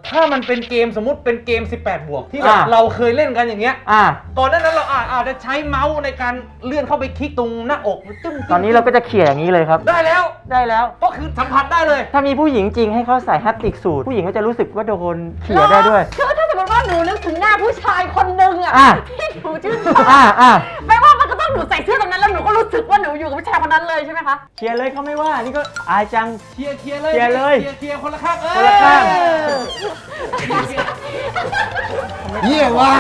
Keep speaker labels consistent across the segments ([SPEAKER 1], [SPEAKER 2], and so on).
[SPEAKER 1] ถ้ามันเป็นเกมสมมุติเป็นเกม18 บวกที่แบบเราเคยเล่นกันอย่างเงี้ยก่อนหน้านั้นเราอาจจะใช้เมาส์ในการเลื่อนเข้าไปคลิกตรงหน้าอก
[SPEAKER 2] ตอนนี้เราก็จะเขี่ยอย่างนี้เลยครับ
[SPEAKER 1] ได้แล้วก็คือสัมผัสได้เลย
[SPEAKER 2] ถ้ามีผู้หญิงจริงให้เขาใส่แฮปติกสูทผู้หญิงก็จะรู้สึกว่าโดนเขี่ยได้ด้วย
[SPEAKER 3] คือถ้าสมมติว่าหนูนึกถึงหน้าผู้ชายคนหนึ่งอ่ะที่หนูชื่นชอบไม่ว่ามันก็ต้องหนูใส่เสื้อตรงนั้นแล้วหนูก็รู้สึกว่าหนูอยู่กับผู้ชายคนนั้นเลยใช่ไหมคะ
[SPEAKER 2] เขี่ยเลยเขาไม่ว่านี่ก็อายจัง
[SPEAKER 1] เขี่ยเลยเขี่ยคนละข้าง
[SPEAKER 2] คนละข้าง
[SPEAKER 4] เยี่ยว่า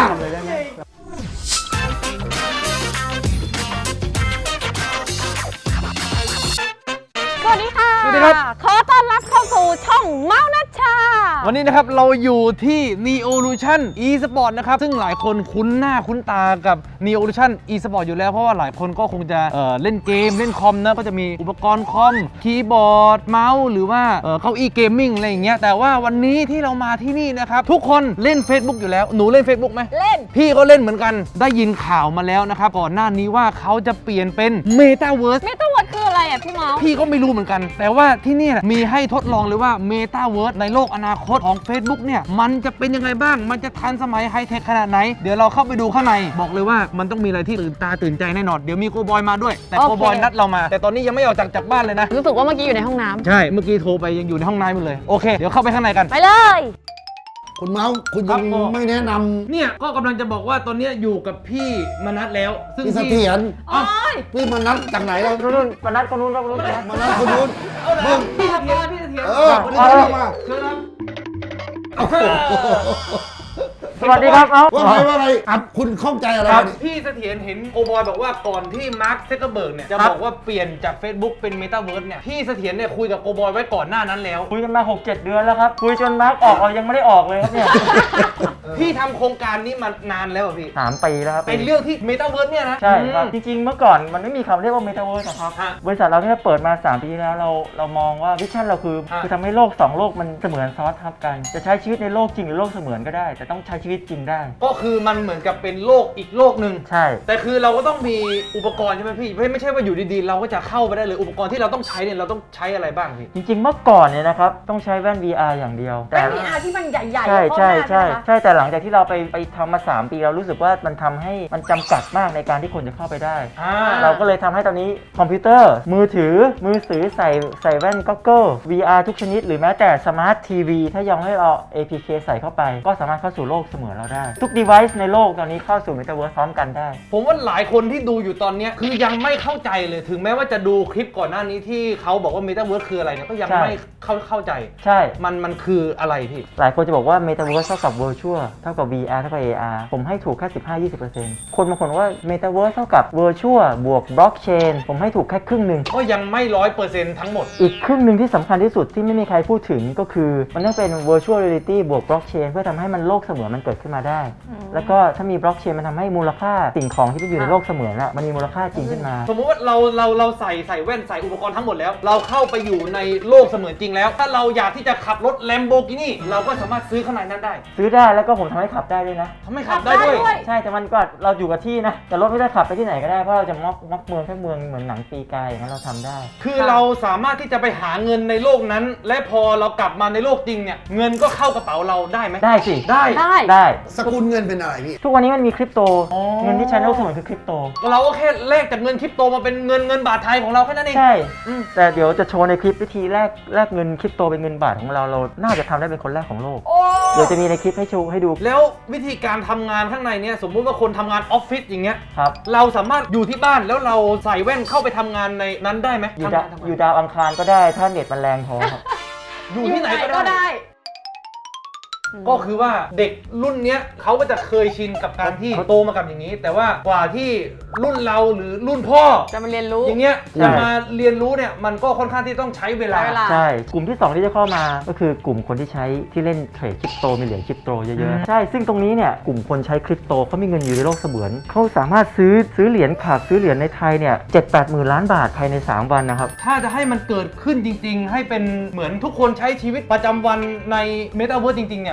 [SPEAKER 3] สวัสดีค่ะขอต้อนรับเข้าสู่ช่องเมาส์นัชชา
[SPEAKER 1] วันนี้นะครับเราอยู่ที่ Neolution eSport นะครับซึ่งหลายคนคุ้นหน้าคุ้นตากับ Neolution eSport อยู่แล้วเพราะว่าหลายคนก็คงจะเล่นเกมเล่นคอมนะก็จะมีอุปกรณ์คอมคีย์บอร์ดเมาส์หรือว่าเก้าอี้เกมมิ่งอะไรอย่างเงี้ยแต่ว่าวันนี้ที่เรามาที่นี่นะครับทุกคนเล่น Facebook อยู่แล้วหนูเล่น Facebook ไหม
[SPEAKER 3] เล่น
[SPEAKER 1] พี่ก็เล่นเหมือนกันได้ยินข่าวมาแล้วนะครับก่อนหน้านี้ว่าเขาจะเปลี่ยนเป็น Metaverse
[SPEAKER 3] คืออะไรอ่ะพี่เมาส์
[SPEAKER 1] พี่ก็ไม่รู้เหมือนกันแต่ว่าที่นี่มีให้ทดลองเลยว่า Metaverse ในโลกอนาคตของ Facebook เนี่ยมันจะเป็นยังไงบ้างมันจะทันสมัยไฮเทคขนาดไหนเดี๋ยวเราเข้าไปดูข้างในบอกเลยว่ามันต้องมีอะไรที่ตื่นตาตื่นใจแน่นอนเดี๋ยวมีโกบอยมาด้วยแต่โกบอยนัดเรามาแต่ตอนนี้ยังไม่ออกจากบ้านเลยนะ
[SPEAKER 3] รู้สึกว่าเมื่อกี้อยู่ในห้องน้ำ
[SPEAKER 1] ใช่เมื่อกี้โทรไปยังอยู่ในห้องน้ำอยู่เลยโอเคเดี๋ยวเข้าไปข้างในกัน
[SPEAKER 3] ไปเลย
[SPEAKER 4] คุณเมาส์คุณยังไม่แนะนำ
[SPEAKER 1] เนี่ยก็กำลังจะบอกว่าตอนนี้อยู่กับพี่มนัสแล้วซึ่ง
[SPEAKER 4] พี่เสถียรพี่มนัสจากไหนแล้ว
[SPEAKER 2] นู่นมนัสคนนู้น
[SPEAKER 4] มนัสคนนู้นมึง
[SPEAKER 1] พี่เสถียร
[SPEAKER 4] วันนี้เข้ามา
[SPEAKER 1] เชิญครับ
[SPEAKER 2] สวัสดีครับ
[SPEAKER 4] ว่าไงคุณข้องใจอะไร
[SPEAKER 1] พี่เสถียรเห็นโอบอยบอกว่าก่อนที่มาร์ค ซักเคอร์เบิร์กเนี่ยจะบอกว่าเปลี่ยนจาก Facebook เป็น Metaverse เนี่ยพี่เสถียรเนี่ยคุยกับโอบอยไว้ก่อนหน้านั้นแล้ว
[SPEAKER 2] คุยกันมา 6-7 เดือนแล้วครับคุยจนมาร์คออกเรายังไม่ได้ออกเลยครับเนี่ย
[SPEAKER 1] พี่ทำโครงการนี้มานานแล้วพี่
[SPEAKER 2] 3 ปีแล้วครับ
[SPEAKER 1] เป็นเรื่องที่ Metaverse เนี่ยนะ
[SPEAKER 2] ใช่ครับจริงๆเมื่อก่อนมันไม่มีคำเรียกว่า Metaverse ครับบริษัทเราที่เปิดมา3 ปีแล้วเรามองว่าวิชั่นเราคือทำให้โลก2โลกมันเสมือนซ้อนทับกันจะใช้ชีวิตในโลกจริงหรือโลกเสมือนก็ได้แต่ต้องใช้ชีวิตจริงได้
[SPEAKER 1] ก็คือมันเหมือนกับเป็นโลกอีกโลกหนึ่ง
[SPEAKER 2] ใช่
[SPEAKER 1] แต่คือเราก็ต้องมีอุปกรณ์ใช่ไหมพี่ไม่ใช่ว่าอยู่ดีๆเราก็จะเข้าไปได้เลยอุปกรณ์ที่เราต้องใช้เนี่ยเราต้องใช้อะไรบ้างพี่
[SPEAKER 2] จริงๆเมื่อก่อนเนี่ยนะครับต้องใช้แว่น VR อย่างเดียว
[SPEAKER 3] แต่ VR ที่มันใหญ่ๆ
[SPEAKER 2] ใช่แต่หลังจากที่เราไปทำมา3 ปีเรารู้สึกว่ามันทำให้มันจำกัดมากในการที่คนจะเข้าไปได้เราก็เลยทำให้ตอนนี้คอมพิวเตอร์มือถือใส่แว่นก็อกเกิล VR ทุกชนิดหรือแม้แต่สมาร์ททีวีถ้ายังให้เรา APK ใส่เข้าไปก็สามารถเข้าสู่โลกเสมือนเราได้ทุก device ในโลกตอนนี้เข้าสู่ Metaverse พร้อมกันได้
[SPEAKER 1] ผมว่าหลายคนที่ดูอยู่ตอนนี้คือยังไม่เข้าใจเลยถึงแม้ว่าจะดูคลิปก่อนหน้านี้ที่เขาบอกว่า Metaverse คืออะไรเนี่ยก็ยังไม่เข้าใจ
[SPEAKER 2] ใช่
[SPEAKER 1] มันคืออะไรพี่
[SPEAKER 2] หลายคนจะบอกว่า Metaverse เท่ากับ Virtual เท่ากับ VR เท่ากับ AR ผมให้ถูกแค่ 15-20% คนบางคนว่า Metaverse เท่ากับ Virtual บวก Blockchain ผมให้ถูกแค่ครึ่งนึง
[SPEAKER 1] ก็ยังไม่ 100% ทั้งหมด
[SPEAKER 2] อีกครึ่งนึงที่สำคัญที่สุดที่ไม่มีใครพูดถึงก็คือมันต้องเป็น Virtual Reality บวก Blockchain เพื่อทำให้มันโลกเสมือนมันเกิดขึ้นมาได้แล้วก็ถ้ามี Blockchain มันทำให้มูลค่าสิ่งของที่อยู่ในโลกเสมือนมันมีมูลค่าจริงขึ้นมา
[SPEAKER 1] สมมุติว่าเราใส่แว่นใส่อุปกรณ์ทั้งหมดแล้วเราเข้าไปอยู่ในโลกเสมือนจริงแล้วถ้าเราอยากที่จะขับรถ Lamborghini เราก็สามารถซื้อข้างในนั้นได้
[SPEAKER 2] ซื้อได้แล้วก็ผมทำให้ขับได้ด้วยนะ
[SPEAKER 1] ทำให้ขับได้ด้วย
[SPEAKER 2] ใช่แต่มันก็เราอยู่กับที่นะแต่รถไม่ได้ขับไปที่ไหนก็ได้เพราะเราจะม็อกเมืองแค่เมืองเหมือนหนังปีกายอย่างนั้นเราทำได้
[SPEAKER 1] คือเราสามารถที่จะไปหาเงินในโลกนั้นและพอเรากลับมาในโลกจริงเนี่ยเงินก็เข้ากระเป๋าเราได้ไหม
[SPEAKER 2] ได้สิ
[SPEAKER 3] ได้
[SPEAKER 4] สกุลเงินเป็นอะไรพี่
[SPEAKER 2] ทุกวันนี้มันมีคริปโตเงินที่ใช้ในโลกเสมือนคือคริปโต
[SPEAKER 1] เราก็แค่แลกจากเงินคริปโตมาเป็นเงินบาทไทยของเราแค่นั้นเอง
[SPEAKER 2] ใช่แต่เดี๋ยวจะโชว์ในคลิปวิธีแลกเงินคริปโตเป็นเงินบาทของเราน่าจะทำได้เป็นคนแรกของโลกเดี๋ยวจะมีในคลิปให้โชว์ให้ดู
[SPEAKER 1] แล้ววิธีการทำงานข้างในเนี่ยสมมุติว่าคนทำงานออฟฟิศอย่างเงี้ย
[SPEAKER 2] ครับ
[SPEAKER 1] เราสามารถอยู่ที่บ้านแล้วเราใส่แว่นเข้าไปทำงานในนั้นได้ไหม
[SPEAKER 2] อยู่ดาวอังคารก็ได้ถ้าเน็ตมันแรงพอครับ
[SPEAKER 1] อยู่ที่ไหนก็ได้ก็คือว่าเด็กรุ่นเนี้ยเขาก็จะเคยชินกับการที่โตมากับอย่างนี้แต่ว่ากว่าที่รุ่นเราหรือรุ่นพ่อ
[SPEAKER 3] จะมาเรียนรู้
[SPEAKER 1] อย่างเงี้ยจะมาเรียนรู้เนี่ยมันก็ค่อนข้างที่ต้องใช้เวลา
[SPEAKER 2] ใช่กลุ่มที่2ที่จะเข้ามาก็คือกลุ่มคนที่ใช้ที่เล่นเทรดคริปโตมีเหรียญคริปโตเยอะๆใช่ซึ่งตรงนี้เนี่ยกลุ่มคนใช้คริปโตเขามีเงินอยู่ในโลกเสมือนเขาสามารถซื้อเหรียญขาดซื้อเหรียญในไทยเนี่ย 7-8 หมื่นล้านบาทภายใน3 วันนะครับ
[SPEAKER 1] ถ้าจะให้มันเกิดขึ้นจริงๆให้เป็นเหมือนทุกคนใช้ชีวิตประจำวันใน Metaverse จริงๆเนี่ย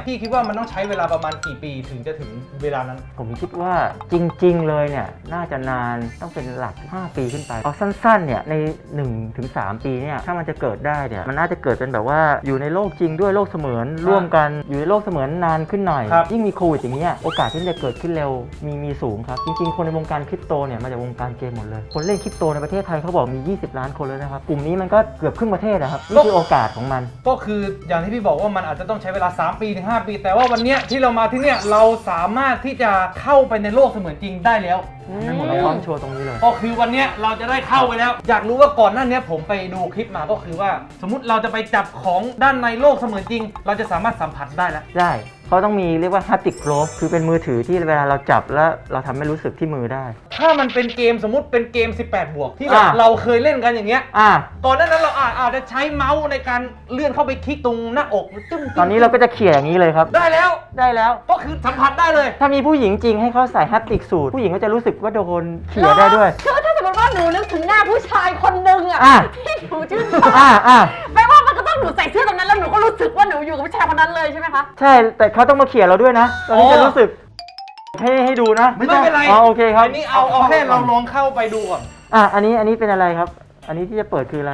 [SPEAKER 1] พี่คิดว่ามันต้องใช้เวลาประมาณกี่ปีถึงจะถึงเวลานั้น
[SPEAKER 2] ผมคิดว่าจริงๆเลยเนี่ยน่าจะนานต้องเป็นหลัก 5 ปีขึ้นไปเอาสั้นๆเนี่ยใน 1-3 ปีเนี่ยถ้ามันจะเกิดได้เนี่ยมันน่าจะเกิดเป็นแบบว่าอยู่ในโลกจริงด้วยโลกเสมือนร่วมกันอยู่ในโลกเสมือนนานขึ้นหน่อย
[SPEAKER 1] ครับ
[SPEAKER 2] ยิ่งมีโควิดอย่างเงี้ยโอกาสที่มันจะเกิดขึ้นเร็วมีสูงครับจริงๆคนในวงการคริปโตเนี่ยมาจากวงการเกมหมดเลยคนเล่นคริปโตในประเทศไทยเขาบอกมี 20 ล้านคนแล้วนะครับกลุ่มนี้มันก็เกือบครึ่งประเทศนะครับนี่คือโอกาสของมัน
[SPEAKER 1] ก็คืออย่างที่พี่บอกว่ามันอาจจะต้องใช้เวลา3ปีถึง5ปี แต่ว่าวันเนี้ยที่เรามาที่เนี่ยเราสามารถที่จะเข้าไปในโลกเสมือนจริงได้แล้ว
[SPEAKER 2] เราพร้อมโชว์ตรงนี้เลย
[SPEAKER 1] ก็คือวันเนี้ยเราจะได้เข้าไปแล้ว อยากรู้ว่าก่อนหน้าเนี้ยผมไปดูคลิปมาก็คือว่า สมมติเราจะไปจับของด้านในโลกเสมือนจริง เราจะสามารถสัมผัสได้แล้ว
[SPEAKER 2] ได้เขาต้องมีเรียกว่า haptic glove คือเป็นมือถือที่เวลาเราจับแล้วเราทำให้รู้สึกที่มือได้
[SPEAKER 1] ถ้ามันเป็นเกมสมมติเป็นเกม 18 บวกที่แบบ
[SPEAKER 2] อ่ะ
[SPEAKER 1] เราเคยเล่นกันอย่างเงี้ย
[SPEAKER 2] อ่ะ
[SPEAKER 1] ก่อนหน้านั้นเราอาจจะใช้เมาส์ในการเลื่อนเข้าไปคลิกตรงหน้าอกจึ้งๆ
[SPEAKER 2] ตอนนี้เราก็จะเขี่ยอย่างนี้เลยครับ
[SPEAKER 1] ได้แล้ว
[SPEAKER 2] ได้แล้ว
[SPEAKER 1] ก็คือสัมผัสได้เลย
[SPEAKER 2] ถ้ามีผู้หญิงจริงให้เขาใส่ haptic สูทผู้หญิงก็จะรู้สึกว่าโดนเขี่ยได้ด้วย
[SPEAKER 3] คือถ้าสมมติว่าหนูนึกถึงหน้าผู้ชายคนนึงอ่ะ
[SPEAKER 2] อ่ะ
[SPEAKER 3] ที่หนูชื่นชอบ
[SPEAKER 2] อ่ะ
[SPEAKER 3] ไม่ว่ามันก็ต้องหนูใส่เสื้อตรงนั้นแล้วหนูก็รู้สึกว่าหนูอยู่กับผู้ชายคนนั้นเลยใช่ไหมคะ
[SPEAKER 2] ใช่แต่เขาต้องมาเขี่ยเราด้วยนะเราถึงจะรู้สึกให้ดูนะ
[SPEAKER 1] ไม่เป็นไร
[SPEAKER 2] อ๋อโอเคครับ
[SPEAKER 1] อันนี้เอาแค่เราลองเข้าไปดูก่อน
[SPEAKER 2] อันนี้เป็นอะไรครับ อันนี้ที่จะเปิดคืออะไร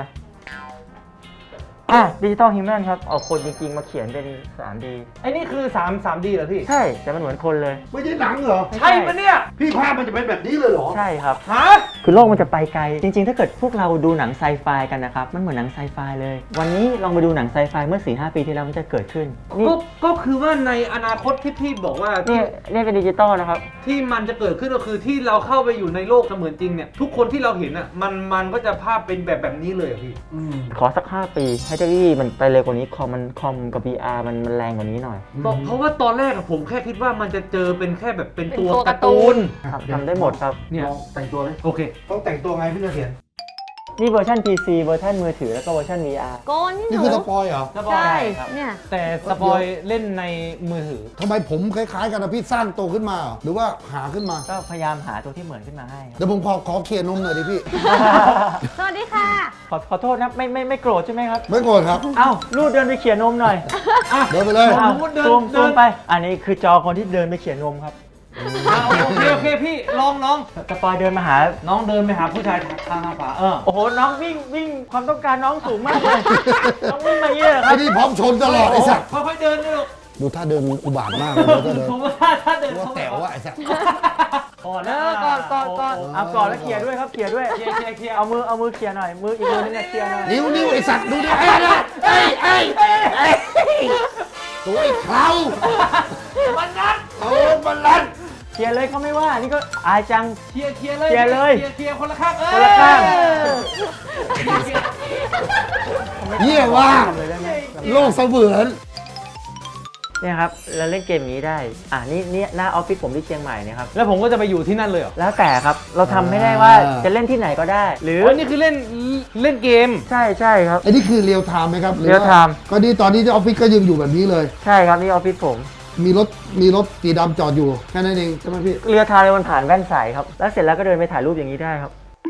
[SPEAKER 2] ดิจิตอลฮิวแมนครับเอาคนจริงๆมาเขียนเป็น 3D
[SPEAKER 1] ไอ้นี่คือ3D เหรอพี่
[SPEAKER 2] ใช่แต่มันเหมือนคนเลย
[SPEAKER 4] ไม่ใช่หนังเหรอ
[SPEAKER 1] ใช่ปะเนี่ย
[SPEAKER 4] พี่ภาพมันจะเป็นแบบนี้เลยเหรอ
[SPEAKER 2] ใช่ครับ
[SPEAKER 1] ฮะ
[SPEAKER 2] คือโลกมันจะไปไกล จริงๆ ถ้าเกิดพวกเราดูหนังไซไฟกันนะครับ มันเหมือนหนังไซไฟเลย วันนี้ลองไปดูหนังไซไฟเมื่อ 4-5 ปีที่แล้วมันจะเกิดขึ้น นี่
[SPEAKER 1] ก็คือว่าในอนาคตที่พี่บอกว่า
[SPEAKER 2] นี่เป็นดิจิตอลนะครับ
[SPEAKER 1] ที่มันจะเกิดขึ้นก็คือที่เราเข้าไปอยู่ในโลกเสมือนจริงเนี่ยทุกคนที่เราเห็นอ่ะมันก็จะภาพเป็นแบบนี้เลยอะพี่
[SPEAKER 2] ขอสัก 5 ปีให้เทคโนโลยีมันไปเร็วกว่านี้คอมกับ VR มันแรงกว่านี้หน่อย
[SPEAKER 1] เพราะว่าตอนแรกอะผมแค่คิดว่ามันจะเจอเป็นแค่แบบเป็นตัว
[SPEAKER 3] เป็นตัว
[SPEAKER 1] การ์ตูน
[SPEAKER 2] ทำได้หมดครับ
[SPEAKER 1] เนี่ย
[SPEAKER 4] ลองแต่งตัวเลย
[SPEAKER 1] โอเค
[SPEAKER 4] ต้องแต่งตัวไงพี่เสถียร
[SPEAKER 2] นี่เวอร์ชัน PC เวอร์ชันมือถือแล้วก็เวอร์ชัน VR
[SPEAKER 3] โกนนี่ห
[SPEAKER 4] นี่
[SPEAKER 3] นู
[SPEAKER 4] คือสปอยเหรอ
[SPEAKER 3] ใช่
[SPEAKER 2] ครับ
[SPEAKER 3] เนี่ย
[SPEAKER 1] แต่สปอยเล่นในมือถือ
[SPEAKER 4] ทำไมผมคล้ายๆกันนะพี่สร้างตัวขึ้นมาเหรอหรือว่าหาขึ้นมา
[SPEAKER 2] ก็พยายามหาตัวที่เหมือนขึ้นมาให้ครับ
[SPEAKER 4] เดี๋ยวผมขอเคลียร์นมหน่อยดิพี่
[SPEAKER 3] สวัสดีค่ะ
[SPEAKER 2] ขอโทษนะไม่โกรธใช่ไหมครับ
[SPEAKER 4] ไม่โกรธครับ
[SPEAKER 2] เอ้าลูดเดินไปเขี่ยนมหน่อย
[SPEAKER 4] เดินไปเลย
[SPEAKER 1] อ้าว
[SPEAKER 2] ซูมไป อันนี้คือจอคนที่เดินไปเขี่ยนมครับ
[SPEAKER 1] โอเคพี่ลอง
[SPEAKER 2] สปอยเดินมาหา
[SPEAKER 1] น้องเดินไปหาผู้ชายทางขวา
[SPEAKER 2] โอ้โห น้องวิ่งความต้องการน้องสูงมากเลย น้องวิ่งมาเยอะค
[SPEAKER 4] ไอ้
[SPEAKER 2] รับ
[SPEAKER 4] นี่พร้อมชนตลอดไอ้สัตว์
[SPEAKER 1] ค่อยๆเดินด้วยลูก
[SPEAKER 4] ดูท่าเดินอุบาทมากเลยถ้าเดิน
[SPEAKER 1] ผมว่าถ้าเดิน
[SPEAKER 4] ว่า
[SPEAKER 1] เข้า
[SPEAKER 4] แต๋วอะไอ้สัตว์
[SPEAKER 1] ก่อน
[SPEAKER 3] เอ
[SPEAKER 1] นะ
[SPEAKER 3] อก่อน
[SPEAKER 2] เอาก่อนแล้วเขี่ยด้วยครับเขี่ยด้วย
[SPEAKER 1] เคลียร์
[SPEAKER 2] เอามือเขี่ยหน่อย มืออีกมือนึงเนี่ยเขี่ยหน่อย
[SPEAKER 4] นิ้วไอ้สัตว์ดูดิไอ้ตัวไอ้เขา
[SPEAKER 1] มันนัด
[SPEAKER 4] โอ้มันลัน
[SPEAKER 2] เขี่ยเลยเขาไม่ว่า นี่ก็อายจัง
[SPEAKER 1] เคลียร์เลย
[SPEAKER 2] เคลียร์เลย
[SPEAKER 1] เคลียร์คนละข้าง
[SPEAKER 2] คนละข้าง
[SPEAKER 4] เยี่ยว่า
[SPEAKER 2] ทำเลยได้ไหม
[SPEAKER 4] โลกเสมือน
[SPEAKER 2] เนี่ยครับเราเล่นเกมนี้ได้ นี่หน้าออฟฟิศผมที่เชียงใหม่เนี่ยครับ
[SPEAKER 1] แล้วผมก็จะไปอยู่ที่นั่นเลยเหรอ
[SPEAKER 2] แล้วแต่ครับ เราทำไม่ได้ว่าจะเล่นที่ไหนก็ได้ หรือ
[SPEAKER 1] นี่คือเล่นเกม
[SPEAKER 2] ใช่ครับ
[SPEAKER 4] ไอ้นี่คือเรียลไทม์ไหมครับหอว่า
[SPEAKER 2] real time
[SPEAKER 4] ก็นี่ตอนนี้ที่ออฟฟิศก็ยังอยู่แบบนี้เลย
[SPEAKER 2] ใช่ครับนี่ออฟฟิศผม
[SPEAKER 4] มีรถสีดำจอดอยู่แค่นั้นเองใช่ไหมพี่
[SPEAKER 2] เรือทางเลยมันผ่านแว่นใสครับ แล้วเสร็จแล้วก็เดินไปถ่ายรูปอย่างนี้ได้ครับ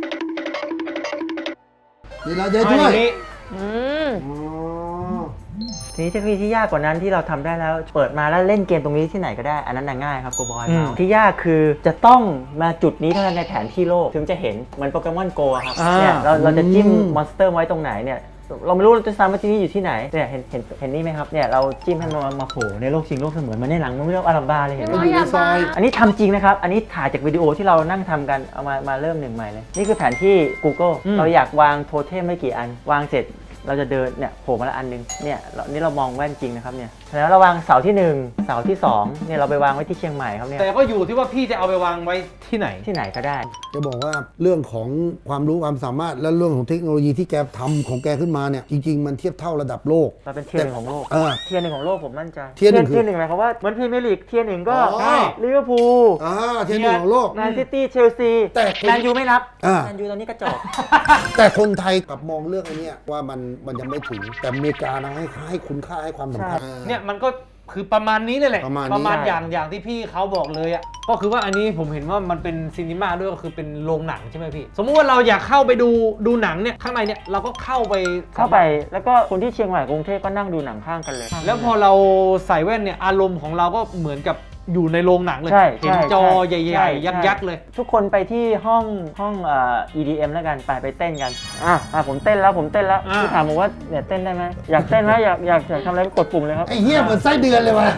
[SPEAKER 4] นี่เราเดี๋ยวด้วย
[SPEAKER 3] อืม
[SPEAKER 4] อ๋อ
[SPEAKER 2] ทีนี้เทคโนโลยีที่ยากกว่านั้นที่เราทำได้แล้ว เปิดมาแล้วเล่นเกมตรงนี้ที่ไหนก็ได้ อันนั้นน่ะง่ายครับโกบอยที่ยากคือจะต้องมาจุดนี้เท่านั้นในแผนที่โลกถึงจะเห็นเหมือนโปเกมอนโกครับเนี่ยเราจะจิ้มมอนสเตอร์ไว้ตรงไหนเนี่ยเราไม่รู้เราจะซ้ำว่าที่นี่อยู่ที่ไหนเนี่ยเห็นนี่ไหมครับเนี่ยเราจิ้มให้มันมาโผล่ในโลกจริงโลกเสมือนมันในหนังมันไม่เรียกว่าอารัมบาเลยเห็นไหม
[SPEAKER 4] มันอยู่ในซอย
[SPEAKER 2] อันนี้ทำจริงนะครับ อันนี้ถ่ายจากวิดีโอที่เรานั่งทำกัน เอามาเริ่มหนึ่งใหม่เลย นี่คือแผนที่ Google เราอยากวางโทเทมไม่กี่อัน วางเสร็จเราจะเดินเนี่ยโผล่มาละอันนึง เนี่ยนี่เรามองแว่นจริงนะครับเนี่ย แล้วเราวางเสาที่ 1 เสาที่ 2 เนี่ยเราไปวางไว้ที่เชียงใหม่ครับเนี่ย
[SPEAKER 1] แต่ก็อยู่ที่ว่าพี่จะเอาไปวางไว้ที่ไหน
[SPEAKER 2] ที่ไหนก็ได้
[SPEAKER 4] จะบอกว่าเรื่องของความรู้ความสามารถและเรื่องของเทคโนโลยีที่แกทำของแกขึ้นมาเนี่ยจริง ๆ มันเทียบเท่าระดับโลก
[SPEAKER 2] เราเป็นเทียร์หนึ่งของโลก
[SPEAKER 4] เออ
[SPEAKER 2] เทียร์หนึ่งของโลกผมมั่นใจ
[SPEAKER 4] เทียร์หนึ่งคือ
[SPEAKER 2] เทียร์หนึ่งหมายความว่าเหมือนพรีเมียร์ลีกเทียร์หนึ่งก็
[SPEAKER 4] อ๋อ
[SPEAKER 2] ใช่ลิเวอร์พูล
[SPEAKER 4] เทียบหนึ่งของโลก
[SPEAKER 2] แมนซิตี้เชลซี
[SPEAKER 4] แต่
[SPEAKER 2] แมนยูไม่นับ
[SPEAKER 4] อ่า
[SPEAKER 2] แมนยูตอนนี้กระจอก
[SPEAKER 4] แต่คนไทยกลับมองเรื่องไอ้เนี้ยว่ามันยังไม่ถึงแต่อเมริกานะให้คุณค่าให้ความสำคัญ
[SPEAKER 1] เนี่ยมันก็คือประมาณนี้เลยแหละ
[SPEAKER 4] ประมาณนี้
[SPEAKER 1] ประมาณอย่างที่พี่เขาบอกเลยอ่ะก็คือว่าอันนี้ผมเห็นว่ามันเป็นซีนีมาด้วยก็คือเป็นโรงหนังใช่ไหมพี่สมมุติว่าเราอยากเข้าไปดูหนังเนี่ยข้างในเนี่ยเราก็เข้าไป
[SPEAKER 2] แล้วก็คนที่เชียงใหม่กรุงเทพก็นั่งดูหนังข้างกันเลย
[SPEAKER 1] แล้วพอเราใส่แว่นเนี่ยอารมณ์ของเราก็เหมือนกับอยู่ในโรงหนังเลย
[SPEAKER 2] ใช่
[SPEAKER 1] เห็นจอใหญ่
[SPEAKER 2] ใช่
[SPEAKER 1] ๆยักษ์ๆเลย
[SPEAKER 2] ทุกคนไปที่ห้อง EDM แล้วกันไปเต้นกันผมเต้นแล้วพี่ถามผมว่าเนี่ยเต้นได้ไหมอยากเต้นไหมอยากทำอะไรก็กดปุ่มเลยครับ
[SPEAKER 4] ไอ้เหี้ยเหมือนไส้เดือนเลยว่ะ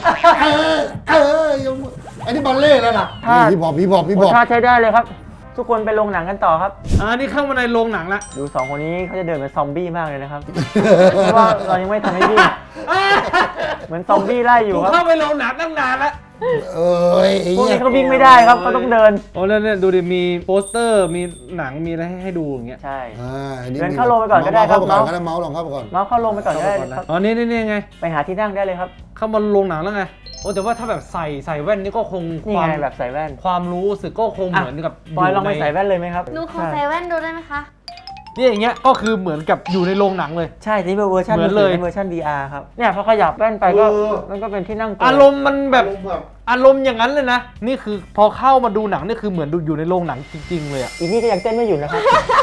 [SPEAKER 4] ยกมือไอ้นี่บอลเล่แล้วนะ
[SPEAKER 2] ถ้า
[SPEAKER 4] พี่บอก
[SPEAKER 2] ท่าใช้ได้เลยครับ ทุกคนไปโรงหนังกันต่อครับ
[SPEAKER 1] นี่เข้ามาในโรงหนังละ
[SPEAKER 2] ดู2คนนี้เขาจะเดินเหมือนซอมบี้มากเลยนะครับ เพราะว่าเรายังไม่ทันให้วิ่งเหมือนซอมบี้ไล่อยู่
[SPEAKER 1] กู
[SPEAKER 2] ครับ
[SPEAKER 1] เข้าไปโรงหนังตั้งนานแล้ว
[SPEAKER 4] เอ้ยไอ้
[SPEAKER 2] พวก
[SPEAKER 4] เหี้ย
[SPEAKER 2] นี้เขาวิ่งไม่ได้ครับเขาต้องเดิน
[SPEAKER 1] โอ้แล้วเนี่ยดูดิมีโปสเตอร์มีหนังมีอะไรให้ดูอย่างเงี้ย
[SPEAKER 2] ใช่
[SPEAKER 4] อันนี้
[SPEAKER 2] เดินเข้าโรงไปก่อนก็ได้ครับ
[SPEAKER 4] เมาส์เข้าไปก่อนก็ได้เมาส์ลองเข้าไปก่อน
[SPEAKER 2] เมาส์เข้าโรงไปก่อนก็ได้ครับ
[SPEAKER 1] อ๋อนี่ไง
[SPEAKER 2] ไปหาที่นั่งได้เลยครับ
[SPEAKER 1] เข้ามาโรงหนังแล้วไงโอ้แต่ว่าถ้าแบบใส่แว่นนี่ก็คง
[SPEAKER 2] นี่
[SPEAKER 1] ความ
[SPEAKER 2] ไงแบบใส่แว่น
[SPEAKER 1] ความรู้สึกก็คงเหมือนกับ
[SPEAKER 2] ปอยลองไปใส่แว่นเลยไหมครับ
[SPEAKER 3] หนูขอใส่แว่นดูได้ไหมคะ
[SPEAKER 1] นี่อย่างเงี้ยก็คือเหมือนกับอยู่ในโรงหนังเลย
[SPEAKER 2] ใช่นี่เป็นเวอร์ชัน
[SPEAKER 1] เหมือนเลย
[SPEAKER 2] เป็นเวอร์ชัน VR ครับเนี่ยพอขยับแว่นไปก็มันก็เป็นที่นั่งตัว
[SPEAKER 1] อารมณ์มันแบบอารมณ์อย่างนั้นเลยนะนี่คือพอเข้ามาดูหนังนี่คือเหมือนดูอยู่ในโรงหนังจริงๆเลยอะ
[SPEAKER 2] อีนี่ก็ยังเต้นไม่หยุดนะครับ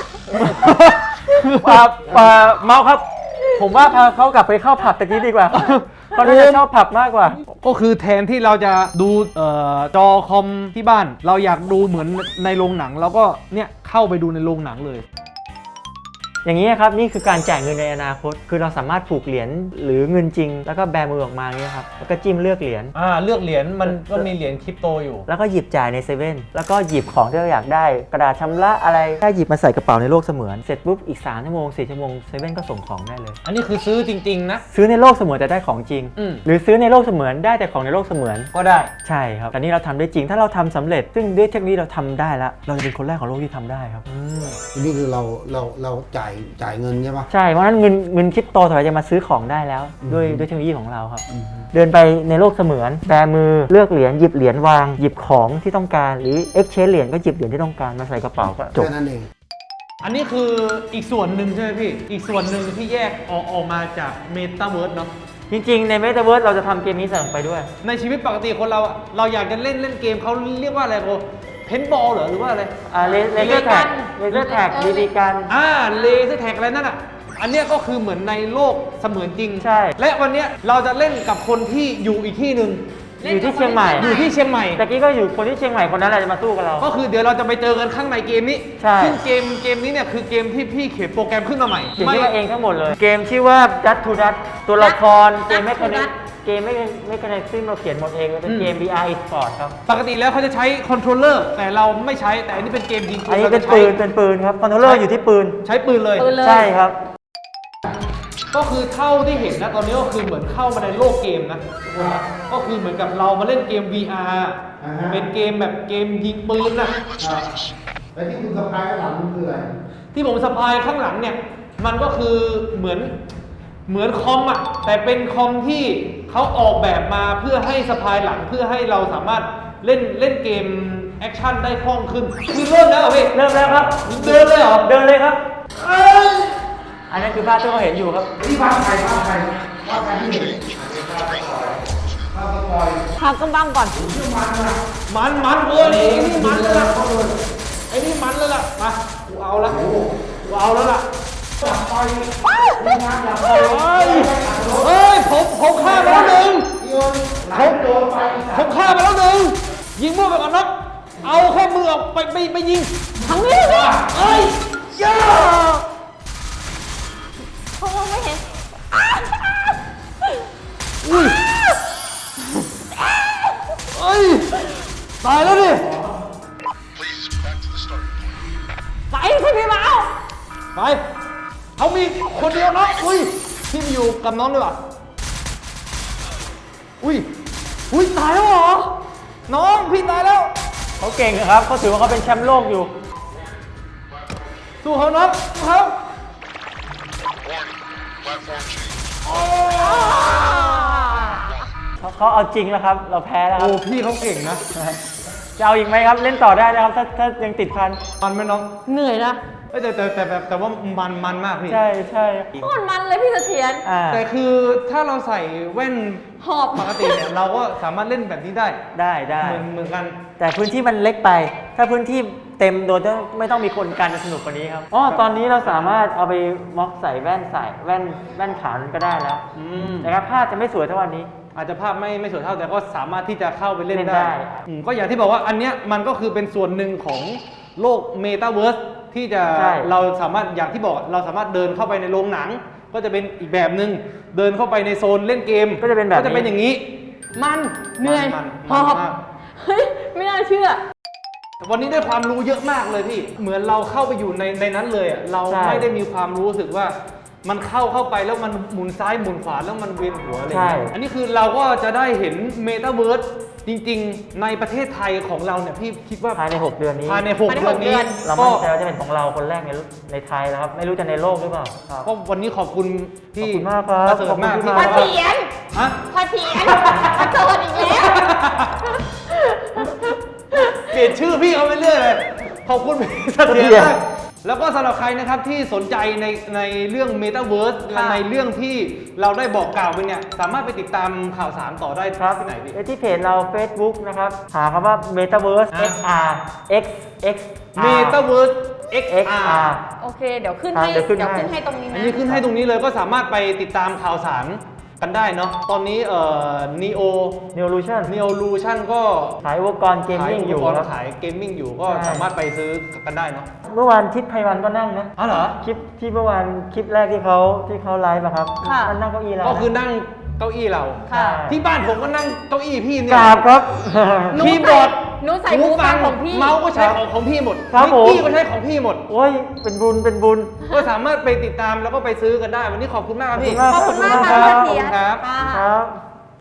[SPEAKER 2] เมาครับ ผมว่าพาเขากลับไปเข้าผับตะกี้ดีกว่าเขาน่าจะชอบผับมากกว่า
[SPEAKER 1] ก็คือแทนที่เราจะดูจอคอมที่บ้าน เราอยากดูเหมือนในโรงหนังเราก็เนี่ยเข้าไปดูในโรงหนังเลย
[SPEAKER 2] อย่างนี้ครับนี่คือการจ่ายเงินในอนาคต คือเราสามารถผูกเหรียญหรือเงินจริง แล้วก็แบมือออกมาอย่างนี้ครับแล้วก็จิ้มเลือกเหรียญ
[SPEAKER 1] เลือกเหรียญมันก็มีเหรียญคริปโตอยู่
[SPEAKER 2] แล้วก็หยิบจ่ายในเซเว่นแล้วก็หยิบของที่เราอยากได้กระดาษชำระอะไรถ้าหยิบมาใส่กระเป๋าในโลกเสมือนเสร็จปุ๊บอีก3 ชั่วโมง 4 ชั่วโมงเซเว่นก็ส่งของได้เลย
[SPEAKER 1] อันนี้คือซื้อจริงๆนะ
[SPEAKER 2] ซื้อในโลกเสมือนแต่ได้ของจริง หรือซื้อในโลกเสมือนได้แต่ของในโลกเสมือน
[SPEAKER 1] ก็ได้
[SPEAKER 2] ใช่ครับแต่นี่เราทำได้จริงถ้าเราทำสำเร็จ ซึ่งด้วยเทคโนโลยีเราทำได้แล้วเราจะเป็นคนแรกของโลกที่ทำได้ครับ
[SPEAKER 4] นี่คือเราจ่ายเงินใช่ปะ
[SPEAKER 2] ใช่เพราะฉะนั้นเงินคริปโตถอยจะมาซื้อของได้แล้วด้วยเทคโนโลยีของเราครับ เดินไปในโลกเสมือนแบมือเลือกเหรียญหยิบเหรียญวางหยิบของที่ต้องการหรือ exchange เหรียญก็หยิบเหรียญที่ต้องการมาใส่กระเป๋าก็จบ
[SPEAKER 4] แค่นั้นเอง
[SPEAKER 1] อันนี้คืออีกส่วนหนึ่งใช่ไหมพี่อีกส่วนหนึ่งที่แยกออกมาจากเมตาเวิร์สเนาะ
[SPEAKER 2] จริงๆใน Metaverse เราจะทำเกมนี้ใส่ลงไปด้วย
[SPEAKER 1] ในชีวิตปกติคนเราอะเราอยากจะเล่นเกมเขาเรียกว่าอะไรโบเพนบอลเหรอหรือว่าอะไร
[SPEAKER 2] เลเซอร์แท็กบีบีกัน
[SPEAKER 1] เลเซอร์แท็กอะไรนั่นอ่ะ อันเนี้ยก็คือเหมือนในโลกเสมือนจริง
[SPEAKER 2] ใช่
[SPEAKER 1] และวันเนี้ยเราจะเล่นกับคนที่อยู่อีกที่หนึ่ง
[SPEAKER 2] อยู่ที่เชียงใหม่
[SPEAKER 1] อยู่ที่เชียงใหม่
[SPEAKER 2] ตะกี้ก็อยู่คนที่เชียงใหม่คนนั้นแหละจะมาสู้กับเรา
[SPEAKER 1] ก็คือเดี๋ยวเราจะไปเจอกันข้างในเกมนี้
[SPEAKER 2] ใช่
[SPEAKER 1] ซึ่งเกมนี้เนี่ยคือเกมที่พี่เขียนโปรแกรมขึ้นมาใหม่
[SPEAKER 2] เขียนชื่อมาเองทั้งหมดเลย เกมชื่อว่า Dust to Dust ตัวละครเกมไม่คอนเนคเกมไม่คอนเนคซึ่งเราเขียนหมดเองเป็นเกม VR e-sport ครับ
[SPEAKER 1] ปกติแล้วเขาจะใช้คอนโทรลเลอร์แต่เราไม่ใช้แต่อันนี้เป็นเกมยิงปื
[SPEAKER 2] อัน
[SPEAKER 1] น
[SPEAKER 2] นี้
[SPEAKER 1] รา
[SPEAKER 2] เป็น
[SPEAKER 1] จะใช้
[SPEAKER 2] ปืนครับคอนโทรลเลอร์อยู่ที่ปืน
[SPEAKER 1] ใช้ปืนเลย
[SPEAKER 3] ปืนเลย
[SPEAKER 2] ใช่ครับ
[SPEAKER 1] ก็คือเท่าที่เห็นนะตอนนี้ก็คือเหมือนเข้ามาในโลกเกมนะทุกคนนะก็คือเหมือนกับเรามาเล่นเกม VR เป็นเกมแบบเกมยิงปืนนะ
[SPEAKER 4] แล้วที่คุณสะพายหลังมันคืออะไร
[SPEAKER 1] ที่ผมสะพายข้างหลังเนี่ยมันก็คือเหมือนคอมอ่ะแต่เป็นคอมที่เขาออกแบบมาเพื่อให้สะพายหลังเพื่อให้เราสามารถเล่นเกมแอคชั่นได้คล่องขึ้นคือเริ่มแล้วเหรอพี่
[SPEAKER 2] เริ่มแล้วครับ
[SPEAKER 1] เดินเลยเหรอ
[SPEAKER 2] เดินเลยครับ อันนั้นคือภาพที่เราเห็นอยู่ครับ
[SPEAKER 4] ที่บ้านใครที่เห็น
[SPEAKER 3] พักกำบังก่อน
[SPEAKER 1] มันเว้ยไอ้นี่มันเลยล่ะไอ้นี่มันเลยล่ะมากูเอาละกูเอาแล้วล่ะเฮ้ยผมฆ่ามาแล้วหนึ่งผมฆ่ามาแล้วหนึ่งยิงมั่วไปก่อนนะเอาแค่มือออกไปยิง
[SPEAKER 3] ทั้งนี้เลย
[SPEAKER 1] เอ้ยย่า
[SPEAKER 3] เขามองไม่เห็น
[SPEAKER 1] อุ้ยเอ้ยตายแล้วดิ
[SPEAKER 3] ไปคุณพี่เมา
[SPEAKER 1] ไปเขามีคนเดียวนะอุ้ยพี่มาอยู่กับน้องด้วยป่ะอุ้ยตายแล้วเหรอน้องพี่ตายแล้ว
[SPEAKER 2] เขาเก่งครับเขาถือว่าเขาเป็นแชมป์โลกอยู่
[SPEAKER 1] สู้เขาน้องสู้เขา
[SPEAKER 2] เขาเอาจริงแล้วครับ เราแพ้แล้วค
[SPEAKER 1] โอ้
[SPEAKER 2] รับ
[SPEAKER 1] พี่เขาเก่งนะ
[SPEAKER 2] จะเอาอีกไหมครับ เล่นต่อได้นะครับ ถ้ายังติดพัน
[SPEAKER 1] มันไหมน้อง
[SPEAKER 3] เหนื่อยนะ
[SPEAKER 1] เอ้ยแต่ว่ามันมากพี่
[SPEAKER 2] ใช่
[SPEAKER 3] โคตรมันเลยพี่เสถียร
[SPEAKER 2] อ่า
[SPEAKER 1] แต่คือถ้าเราใส่แว่น
[SPEAKER 3] หอบ
[SPEAKER 1] ปกติเนี่ยเราก็สามารถเล่นแบบนี้ได้
[SPEAKER 2] ได้
[SPEAKER 1] เหมือนกัน
[SPEAKER 2] แต่พื้นที่มันเล็กไป ถ้าพื้นที่เต็มโดยไม่ต้องมีคนการจะสนุกกว่านี้ครับอ๋อตอนนี้เราสามารถเอาไปม็อกใส่แว่นขาวนั้นก็ได้แล้ว นะครับภาพจะไม่สวยเท่าวันนี้
[SPEAKER 1] อาจจะภาพไม่สวยเท่าแต่ก็สามารถที่จะเข้าไปเล่น
[SPEAKER 2] เล่นได้
[SPEAKER 1] ได้ก็อย่างที่บอกว่าอันเนี้ยมันก็คือเป็นส่วนหนึ่งของโลกเมตาเวิร์สที่จะเราสามารถอย่างที่บอกเราสามารถเดินเข้าไปในโรงหนัง ก็จะเป็นอีกแบบหนึ่งเดินเข้าไปในโซนเล่นเกม
[SPEAKER 2] ก็จะเป็นแบบนี้
[SPEAKER 1] ก็จะเป็นอย่างนี้
[SPEAKER 3] มันเหนื่อย
[SPEAKER 1] มัน
[SPEAKER 3] หอบ
[SPEAKER 1] มาก
[SPEAKER 3] เฮ้ยไม่น่าเชื่อ
[SPEAKER 1] วันนี้ได้ความรู้เยอะมากเลยพี่เหมือนเราเข้าไปอยู่ในนั้นเลยอะเรา
[SPEAKER 2] ใช่
[SPEAKER 1] ไม่ได้มีความรู้สึกว่ามันเข้าไปแล้วมันหมุนซ้ายหมุนขวาแล้วมันเวียนหัวอะไรอย่างเงี้ยอันนี้คือเราก็จะได้เห็นเมตาเวิร์สจริงๆ ในประเทศไทยของเราเนี่ยพี่คิดว่า
[SPEAKER 2] ภายใน 6 เดือนนี้
[SPEAKER 1] ภายใน6 เดือนนี้
[SPEAKER 2] เรา
[SPEAKER 1] ก็
[SPEAKER 2] มั่นใจว่าจะเป็นของเราคนแรกในไทยแล้วครับ ไม่รู้จะในโลกหรือเปล่าครับ
[SPEAKER 1] ก็วันนี้ขอบคุณพี่
[SPEAKER 2] ขอบคุณมากครับ
[SPEAKER 1] ประเสริฐมาก
[SPEAKER 2] ขอบคุณ
[SPEAKER 1] ที่
[SPEAKER 2] มาก
[SPEAKER 3] พอเถียน
[SPEAKER 1] ฮะ
[SPEAKER 3] พอเถียนพอโจนอีกแล้ว
[SPEAKER 1] เปลี่ยนชื่อพี่เขาไปเรื่อยเลยขอบคุณพี่เสถียรมากแล้วก็สำหรับใครนะครับที่สนใจในเรื่อง Metaverse และในเรื่องที่เราได้บอกกล่าวไปเนี่ยสามารถไปติดตามข่าวสารต่อได้
[SPEAKER 2] ครับ
[SPEAKER 1] ที่ไหนพี่
[SPEAKER 2] ที่เพจเรา Facebook นะครับ หาคำว่า Metaverse XR X
[SPEAKER 1] Metaverse XR
[SPEAKER 2] XR
[SPEAKER 3] โอเค เดี๋ยวขึ้น
[SPEAKER 2] ครับ
[SPEAKER 3] ให้
[SPEAKER 2] เดี๋ยวขึ้น
[SPEAKER 3] ให้ตรงนี้
[SPEAKER 1] อัน
[SPEAKER 3] นะ
[SPEAKER 1] นี้ขึ้นให้ตรงนี้เลยก็สามารถไปติดตามข่าวสารกันได้เนาะตอนนี้
[SPEAKER 2] Neolution
[SPEAKER 1] Neolution ก็
[SPEAKER 2] ขายอุปกรณ์เกม
[SPEAKER 1] ขาย
[SPEAKER 2] มิ่ง
[SPEAKER 1] อุ
[SPEAKER 2] อ
[SPEAKER 1] ป
[SPEAKER 2] ยู่
[SPEAKER 1] กรณ์
[SPEAKER 2] ครับ
[SPEAKER 1] ขายเกมมิ่งอยู่ก็
[SPEAKER 2] ใช่
[SPEAKER 1] สามารถไปซื้อกันได้เนาะ
[SPEAKER 2] เมื่อวานทิศไพวันก็นั่งนะ
[SPEAKER 1] อ๋อเหรอ
[SPEAKER 2] คลิปที่เมื่อวานคลิปแรกที่เขาไลฟ์อะครับ
[SPEAKER 3] ค่ะ
[SPEAKER 2] มันนั่งเก้าอี้เรา
[SPEAKER 1] ก็คือนั่งเก้าอี้เรา
[SPEAKER 3] ค่ะ
[SPEAKER 1] ที่บ้านผมก็นั่งเก้าอี้พี่เนี่
[SPEAKER 2] ก
[SPEAKER 1] ย
[SPEAKER 2] ราบครับ
[SPEAKER 1] คีย์บอร์ด
[SPEAKER 3] หนูใส่หูฟังของพี่
[SPEAKER 1] เมาส์ก็ใช้ของพี่หมด
[SPEAKER 2] ครับผม
[SPEAKER 1] นิกกี้ก็ใช้ของพี่หมด
[SPEAKER 2] โอ้ยเป็นบุญ
[SPEAKER 1] ก็สามารถไปติดตามแล้วก็ไปซื้อกันได้ วันนี้ขอบคุณมากครับพี่
[SPEAKER 2] ขอบคุณมาก
[SPEAKER 3] ขอบคุณมาก
[SPEAKER 2] ครับ
[SPEAKER 3] ค่ะเสถียร
[SPEAKER 1] ครับ
[SPEAKER 3] ค่ะ
[SPEAKER 2] ครับ